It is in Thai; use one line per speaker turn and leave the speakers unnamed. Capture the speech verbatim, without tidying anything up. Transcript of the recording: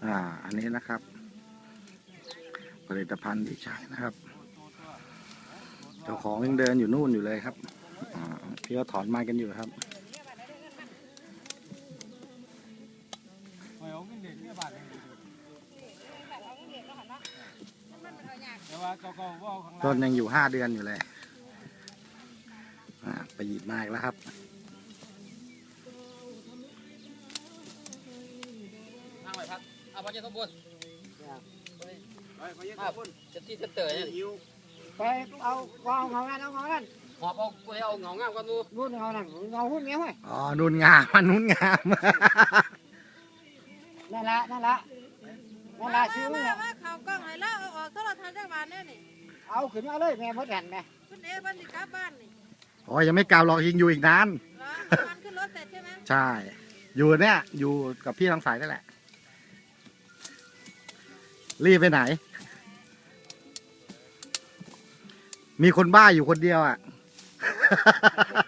อ่าอันนี้นะครับ ผลิตภัณฑ์ที่ใช้นะครับเจ้าของยังเดินอยู่นู่นอยู่เลยครับอ่าพี่ก็ถอนไม้กันอยู่ครับต้นยังอยู่ห้าเดือนอยู่เลยอ่าไปหยิบมาอีกแล้วครับ
นั่งไปพักเอาไปเจ้าสมบูรณ์จะที่จะเตยเนี่ย
ไปเอากองเงานั่นเอาเงานั่น
หอบเอาไปเอาเงางามกันดู
รุ่นเงานั่นเงาหุ้นเงี้ยเว้ย
อ๋อนุ่นงามมันนุ่นงาม
นั่นละนั่นละนั่นละชื่อ
มา
เนี่ย
ว่าเขากล้องให้แล้วเอาออกโทรทัศน์ได้บ้านแน่นี่
เอาขึ้นมาเลยแม่มดแผ่นแม่
คุณเอ๋บ้านสิกลับบ้านนี่
โอ้ยยังไม่กลับหรอกยิงอยู่อีกนาน
เหรอเอามันขึ้นรถเสร็จใช่ไหม
ใช่ อยู่เนี่ยอยู่กับพี่ทางสายนั่นแหละ รีบไปไหน มีคนบ้าอยู่คนเดียวอ่ะ